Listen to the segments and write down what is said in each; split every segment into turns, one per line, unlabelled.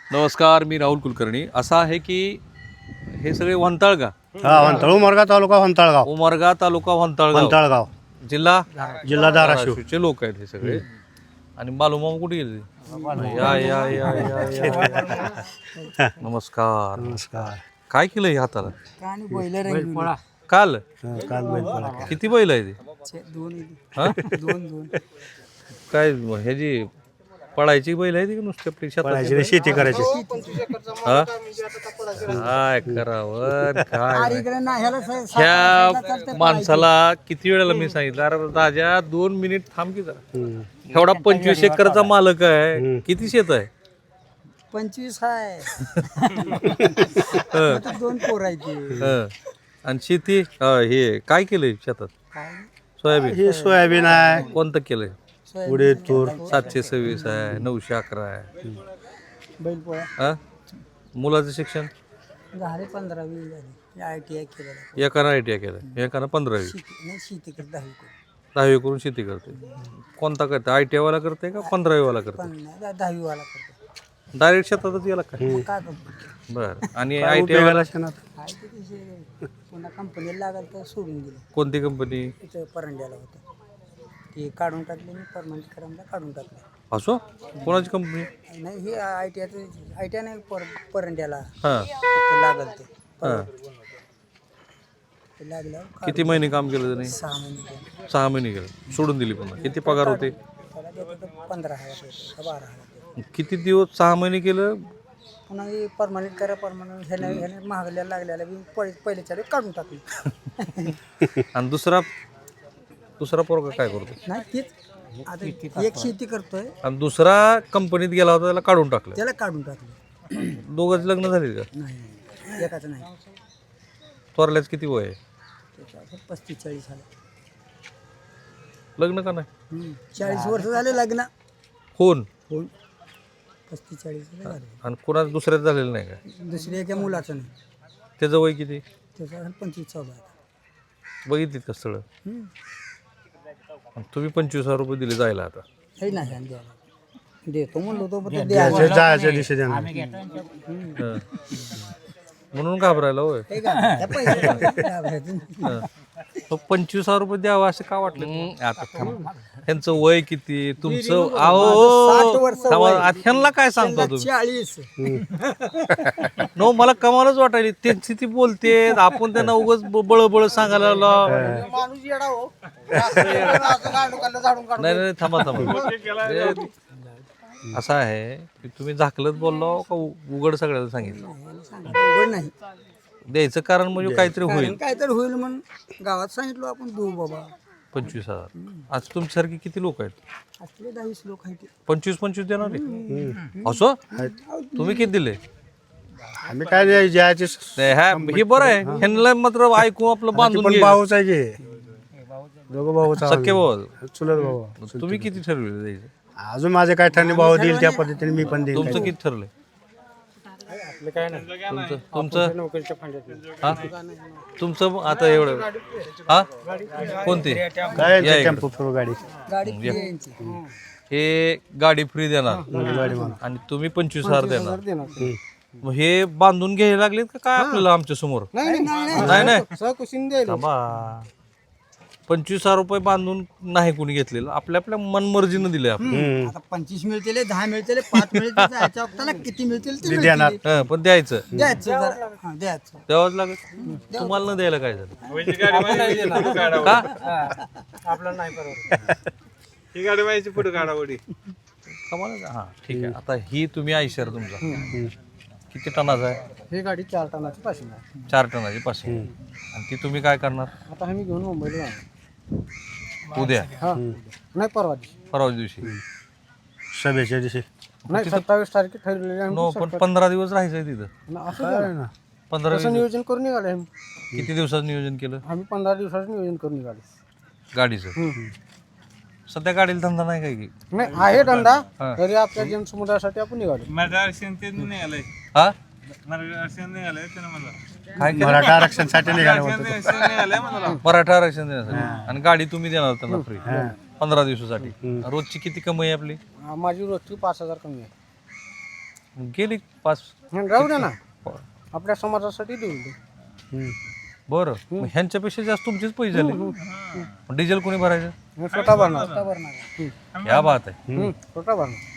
नमस्कार, मी राहुल कुलकर्णी. असं आहे की हे सगळे वंताळगा,
हा वंताळ उमरगा तालुका वंताळगाव
उमरगा तालुका वंताळगाव,
वंताळगाव
जिल्हा
जिल्हा धाराशिव.
धाराशिवचे लोक आहेत हे सगळे. आणि बालूमामा कुठे गेले? या या या या या. नमस्कार.
नमस्कार.
काय केलं हे हाताला?
बैल
काल
काल बैलपोळा.
किती बैल आहे ते? हा?
दोन
काय ह्याची पळायची बैल आहे ती नुसते आपली शेतात?
पळायची नाही, शेती करायची.
हा? काय करावं काय
इकडे ना ह्याला
ह्या माणसाला किती वेळेला मी सांगितलं, अरे राजा 2 मिनिट थांब की जरा.
हम्म.
एवढा 25 एकरचा मालक आहे, किती शेत आहे?
25 आहे.
हं,
आता 2 पोर आहेत ते.
हं. आणि शेती हे काय केलंय शेतात?
काय
सोयाबीन.
हे सोयाबीन आहे,
कोणतं केलंय?
उडीद तूर.
726 आहे, 911 आहे.
बैल पोळा
हा? मुलाचं शिक्षण?
झाले 15-20 झाले. ITI केलेला.
एकानं ITI केलं, एकानं 15वी.
नाही शेती करत 10 कोण
10वी करून शेती करते. कोणता करते? ITI वाला करते का 15वी वाला करते?
पण नाही 10वी वाला करतो.
डायरेक्ट शेतातच गेला काय?
मग काय करतो?
बर. आणि
काय
ITI
उपयोगाला
वाला
शेणात.
आहे ते तिथे पुन्हा कंपनीला लागल तर सोडून दिलं.
कोणती कंपनी?
इथं परंड्याला होतं ते काढून टाकले. मी परमनंट करायला काढून टाकलं.
असो कोणाची कंपनी?
नाही हे ITI नाही परंड्याला
हां
फक्त लागल ते.
हां.
ते लागल्यावर
किती महिने काम केलं त्याने?
6 महिने केलं.
6 महिने केलं, सोडून दिली पुन्हा. किती पगार होते?
त्याला देतो 15,000 12,000.
किती दिवस? 6 महिने केलं.
पुन्हा हे परमनंट करा परमनंट ह्याने महागल्याला लागल्याला बी पहिल्याच्या वेळी काढून टाकली.
आणि दुसरा पोरगा काय करतो?
नाही तीच आता एक शेती करतोय
आणि दुसरा कंपनीत गेला होता, त्याला काढून टाकलं.
त्याला काढून टाकलं.
दोघांची लग्न झाली का?
नाही एकाचं नाही.
थोरल्याच किती वय आहे?
त्याचं 35-40 झालं.
लग्न का नाही?
40 वर्ष झाले लग्न
कोण?
होऊन 35-40 झाले.
आणि कोणाचं दुसऱ्याच झालेलं नाही का?
दुसऱ्या एका मुलाचं नाही.
त्याचं वय किती?
त्याचा 25-14 आहे.
बघितलीत का स्थळं? आणि तुम्ही 25,000 रुपये दिले जायला आता.
हे नाही आणि द्यायला देतो म्हणलो होतो पण ते
जायच्या
द्यायला
जायच्या दिवशी देणार.
हं. म्हणून घाबरायला होय.
हे का? त्या पैशाचं घाबरायचं.
हं. मग 25,000 रुपये द्यावं असं का वाटलं? आता थांबा. ह्यांचं वय किती? तुमचं
60 वर्ष
थांबा,
वय.
आता ह्यांना काय सांगता तुम्ही?
40
नो, मला कमालच वाटायली. त्यांची ती बोलते, आपण त्यांना उगाच बळबळ सांगायला लागलो.
माणूस येडा हो.
नाही नाही थांबा थांबा. असं आहे की तुम्ही झाकलत बोललो का उघड सगळ्याला सांगितलं?
उघड नाही
द्यायचं कारण म्हणजे काहीतरी होईल.
काय तर होईल म्हणून गावात सांगितलं आपण देऊ बाबा.
25,000. आज तुमच्यासारखे किती लोक आहेत?
असले 10-20 लोक आहेत.
25 देणार आहे? असं तुम्ही किती दिले?
आम्ही काय नाही, जायचे
नाही, हे बरं आहे. ह्यांना मात्र ऐकून आपलं बांधून
पण
घे.
भाऊच आहे की. दोघं भाऊच आहोत.
सख्खे भाऊ.
चुलत भाऊ.
तुम्ही किती ठरवले द्यायचं?
अजून माझे काय ठरले भाऊ देईल त्या पद्धतीने मी पण देईल.
तुमचं किती ठरलंय? तुमचं हा? तुमचं आता एवढं हा कोणते?
काय
या इकडं.
टेम्पो फिरू गाडी.
गाडी free आहे यांची.
हे गाडी फ्री देणार
गाडी म्हणून.
आणि तुम्ही 25,000 देणार. मग हे बांधून घ्यायला लागलेत का काय आपल्याला आमच्या समोर? नाही नाही थांबा. 25,000 रुपये बांधून नाही कोणी घेतलेलं, आपल्या आपल्या मनमर्जीनं दिले आपण.
आता 25 मिळतील 10 मिळतील 5 मिळतील जायच्या वक्ताला किती मिळतील ते
देणार.
मिळतील.
हं, पण द्यायचं
द्यायचं जरा. हा, द्यायचं.
द्यावंच लागत. तुम्हाला न द्यायला काय झालं का?
आपल्याला नाही परवडत.
ही गाडी व्हायची पुढे गाडावडी.
कमाल. हा ठीक आहे. आता ही तुम्ही आयशर तुमचा किती टनाचा आहे?
ही गाडी 4 टनाची पाशिंग आहे.
4 टनाची पाचशे. आणि ती तुम्ही काय करणार?
आता आम्ही घेऊन मुंबईला जाणार.
उद्या
हा नाही परवा दिवशी.
परवा दिवशी.
सभेच्या दिवशी.
नाही 27 तारखे ठरलेली आहे.
नो, पण 15 दिवस राहायचंय तिथं.
असं
काय
झालं.
ना.
15
तसं नियोजन करून निघाले आम्ही.
किती दिवसाचं नियोजन केलं
आम्ही 15 दिवसाचं नियोजन करून निघाले.
गाडीचं? सध्या गाडीला धंदा नाही काय की?
नाही आहे धंदा
हा.
तरी आपल्या जनसमुदायासाठी आपण निघालो.
मराठा आरक्षण ते निघालंय.
हा
मराठा आरक्षण निघालंय त्यानं मला.
काय केलं?
मराठा आरक्षणासाठी निघाले होते.
आरक्षण निघालंय मला.
मराठा आरक्षण देण्यासाठी. आणि गाडी तुम्ही देणार त्यांना फ्री 15 दिवसासाठी. रोजची किती कमाई आहे आपली?
माझी रोजची 5,000 कमी आहे.
गेली 5.
राहू दे ना आपल्या समाजासाठी देऊ दे.
बरं मग ह्यांच्यापेक्षा जास्त तुमचेच पैसे झाले. डिझेल कोणी भरायचं?
मी स्वतः भरणार.
या बात आहे.
स्वतः भरणार.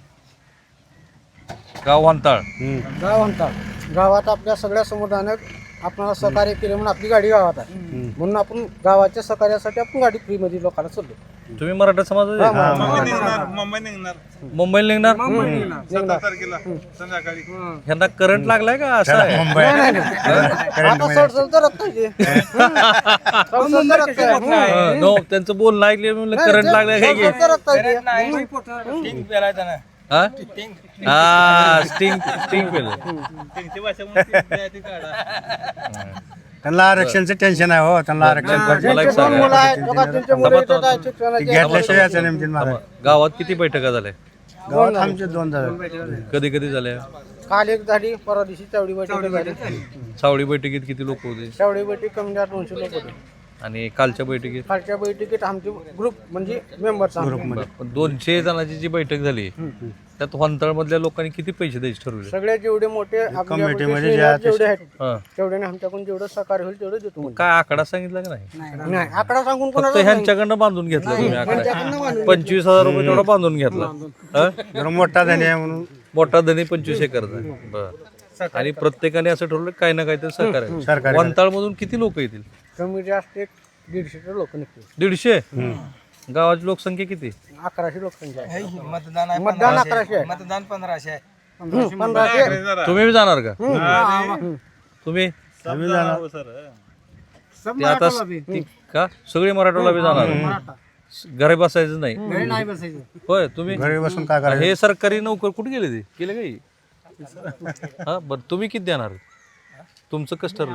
गाव वंताळ.
गाव म्हणतात गावात आपल्या सगळ्या समुदायाने आपल्याला सहकार्य केले म्हणून आपली गाडी गावात आहे. म्हणून आपण गावाच्या सहकार्यासाठी आपण गाडी फ्री मध्ये लोकांना सोडलो.
तुम्ही मराठा समाजाचे?
मुंबई निघणार
मुंबईला निघणार?
17 तारखेला संध्याकाळी.
ह्यांना करंट लागलाय का असं आहे?
आता सडसड तर रक्त आहे ते. सडसड तर रक्त आहे.
नो त्यांचं बोलणं ऐकले म्हणलं करंट लागलाय काय की?
सडसड तर रक्त आहे ते.
हा? हा स्टिंग पेलं.
त्यांची भाषा म्हणून ती काढा.
त्यांना आरक्षणचं टेन्शन आहे हो. त्यांना आरक्षण
मला एक
दोन
सांगा.
मुलं आहेत बघा, त्यांचे मुलं इथं आहेत शिक्षणाचे.
घेतल्याशिवाय याचं नेमतील मला.
गावात किती बैठका झाल्या?
गावात आमचे 2 झाले.
कधी कधी झाल्या?
काल एक झाली, परवा दिवशी चावडी बैठक झाली.
सावळी बैठकीत किती लोक होते?
चावडी बैठक कमी जास्त 200 लोक होते.
आणि कालच्या बैठकीत?
खालच्या बैठकीत आमचे ग्रुप म्हणजे मेंबर्स
पण 200 जणांची जी बैठक झाली त्यात वंताळ मधल्या लोकांनी किती पैसे द्यायचे ठरवले?
सगळे जेवढे मोठे
कमिटीमध्ये
जेवढे आहेत
हा.
तेवढ्याने आमच्याकडून जेवढं सहकार्य होईल तेवढं देतो म्हणजे.
काय आकडा सांगितला का नाही?
नाही आकडा सांगून
फक्त
कोणाला
ह्यांच्याकडनं बांधून घेतला तुम्ही आकडा?
त्यांच्याकडनं बांधून
25,000 रुपये तेवढा बांधून घेतला. हा?
जरा मोठा धनी आहे म्हणून
मोठा धनी 25 एकरचा. बर. आणि प्रत्येकाने असं ठरवलं काही ना काहीतरी सहकार्य.
सरकारी
वंताळ मधून किती लोक येतील?
कमी जास्त एक 150 लोक निघतील.
150? गावाची लोकसंख्या किती?
1100 लोकसंख्या आहे.
मतदान आहे
मतदान 1100 आहे.
मतदान 1500 आहे.
1500
तुम्ही बी जाणार का? तुम्ही
आम्ही जाणार.
ते आता का सगळे मराठवाला बी जाणार? घरी बसायचं नाही?
नाही बसायचं.
होय. तुम्ही
घरी बसून काय करायचं?
हे सरकारी नोकर कुठे गेले ते? गेले काही? हा बरं. तुम्ही किती देणार? तुमचं कसं ठरलं?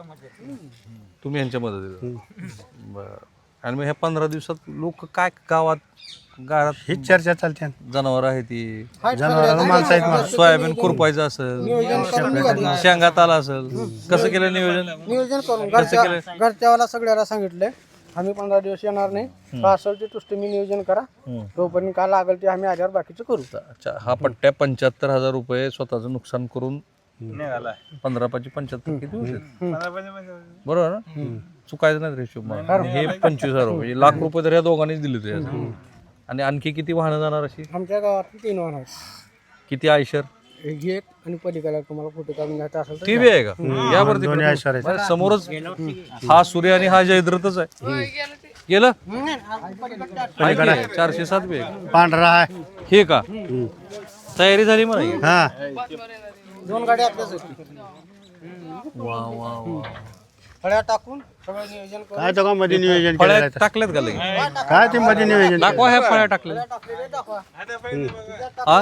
तुम्ही यांच्या मदतीला? बरं. आणि मग ह्या 15 दिवसात लोक काय गावात
हीच चर्चा चालते.
जनावर आहे ती,
जनावरांना माणसं आहेत ना.
सोयाबीन खुरपायचं असेल, शेंगात आला असेल, कसं केलं नियोजन?
नियोजन करून
कसं केलं?
घरच्यावाला सगळ्याला सांगितलंय आम्ही 15 दिवस येणार नाही. का असेल ते तुम्ही नियोजन करा. तोपर्यंत काय लागेल ते आम्ही आल्यावर बाकीचं करू.
अच्छा, हा पट्ट्या 75,000 रुपये स्वतःचं नुकसान करून
निघाला.
15 × 75 किती होते?
15
बरोबर ना? चुकायचं नाही रेशो. हे 25,000 रुपये, लाख रुपये तर या दोघांनीच दिले होते. आणि आणखी किती वाहनं जाणार अशी?
आमच्या गावात 3 वाहन आहेत.
किती आयशर?
एक आणि पलीकडे तुम्हाला फोटो काढून घ्यायचा असेल तर
ती बी आहे का? यावरती
दोन्ही ऐश्वर आहेत.
बरं, समोरच हा सूर्य आणि हा जयद्रथच आहे. गेलं? आहे की? 407 बी आहे.
पांढरा आहे.
हे का तयारी झाली म्हणा?
हा
2 गाड्या आपल्याच होती.
वा वा वा.
फळ्या टाकून सगळं नियोजन करून
काय तो मध्ये नियोजन
फळ्या
केलं
टाकल्यात का लगेच?
काय ते मध्ये नियोजन
दाखवा ह्या फळ्या टाकल्या.
टाकलेले दाखवा.
हा?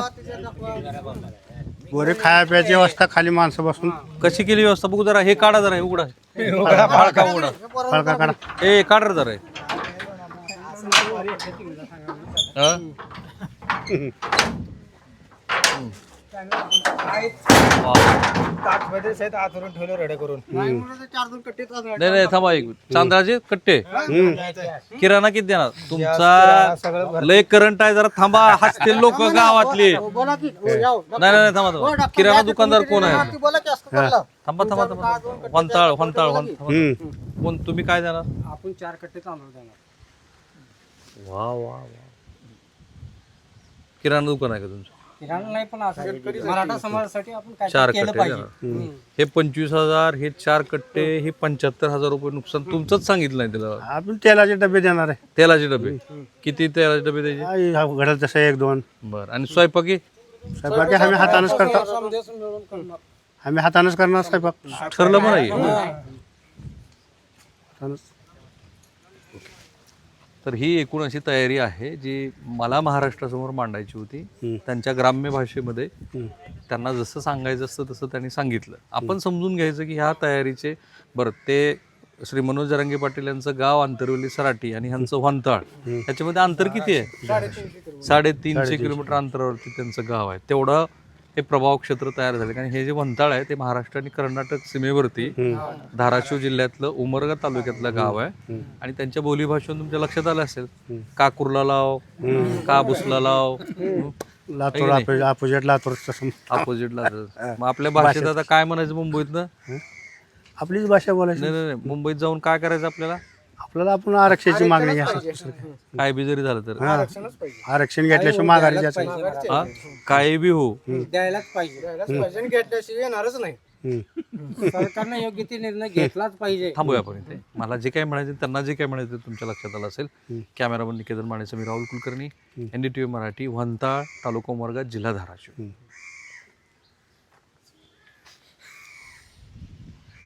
गोरे खाया प्यायची व्यवस्था, खाली माणसं बसून
कशी केली व्यवस्था बघू जरा. हे काढा जरा, हे उघडा. फाळका उघडा.
फळका काढा.
ए काढ रे जरा हे. हा? वा.
आतरून ठेवलं रेडे करून.
नाही म्हणून ते 4-2 कट्टे चालू
नाही नाही थांबा एक मिनिट. तांदळाचे कट्टे किराणा किती देणार तुमचा? लय करंट आहे, जरा थांबा. हसतील लोक गावातले.
बोला की हो, याव.
नाही नाही थांबा थांबा. किराणा दुकानदार कोण आहे?
ती बोला की असं करायला.
थांबा थांबा थांबा. वंताळ वंताळ वंताळ. कोण तुम्ही काय देणार?
आपण 4 कट्टे तांदूळ देणार.
वा वा वा. किराणा दुकान आहे का तुमचं?
किराणा नाही पण असं मराठा समाजासाठी आपण काय
4
केलं
कट्टे
पाहिजे.
देणार. हे 25,000, हे 4 कट्टे, हे 75,000 रुपये नुकसान तुमचंच सांगितलं नाही त्याला.
आपण तेलाचे डबे देणार आहे.
तेलाचे डबे किती? तेलाचे डबे द्यायचे?
घडल तसं 1-2.
बरं. आणि स्वयंपाकी?
स्वयंपाक आम्ही हातानच करतो.
समदेश मिळून करणार.
आम्ही हातानच करणार स्वयंपाक.
ठरलं म्हणा हे.
हातानंच.
तर ही एकूण अशी तयारी आहे जी मला महाराष्ट्रासमोर मांडायची होती. त्यांच्या ग्राम्य भाषेमध्ये त्यांना जसं सांगायचं असतं तसं त्यांनी सांगितलं. आपण समजून घ्यायचं की ह्या तयारीचे बरं ते श्री मनोज जरांगे पाटील यांचं गाव आंतरवली सराटी आणि ह्यांचं वंताळ ह्याच्यामध्ये अंतर किती आहे? 350 किलोमीटर अंतरावरती त्यांचं गाव आहे. तेवढं हे प्रभाव क्षेत्र तयार झाले. कारण हे जे वंताळ आहे ते महाराष्ट्र आणि कर्नाटक सीमेवरती धाराशिव जिल्ह्यातलं उमरगा तालुक्यातलं गाव आहे. आणि त्यांच्या बोलीभाषेतून तुमच्या लक्षात आलं असेल, का कुर्ला लाव, का बुसला लाव,
लातूर अपोजिट लातूर तसं
अपोजिटला मग आपल्या भाषेत आता काय म्हणायचं मुंबईतनं
आपलीच भाषा बोलायची.
नाही नाही नाही. मुंबईत जाऊन काय करायचं आपल्याला
आपल्याला आपण आरक्षणाची मागणी घ्या.
काय बी जरी झालं तर
आरक्षणच पाहिजे.
आरक्षण घेतल्याशिवाय माघारी जायचं.
माघारचे
हा काही बी हो
द्यायलाच पाहिजे आणि घेतल्याशिवाय येणारच नाही. सरकारने योग्य ते निर्णय घेतलाच पाहिजे.
थांबूया आपण इथे. मला जे काय म्हणायचं त्यांना जे काय म्हणायचं तुमच्या लक्षात आलं असेल. कॅमेरामन निकेतन मानेचं मी राहुल कुलकर्णी, NDTV मराठी, वंताळ, तालुका उमरगा, जिल्हा धाराशिव.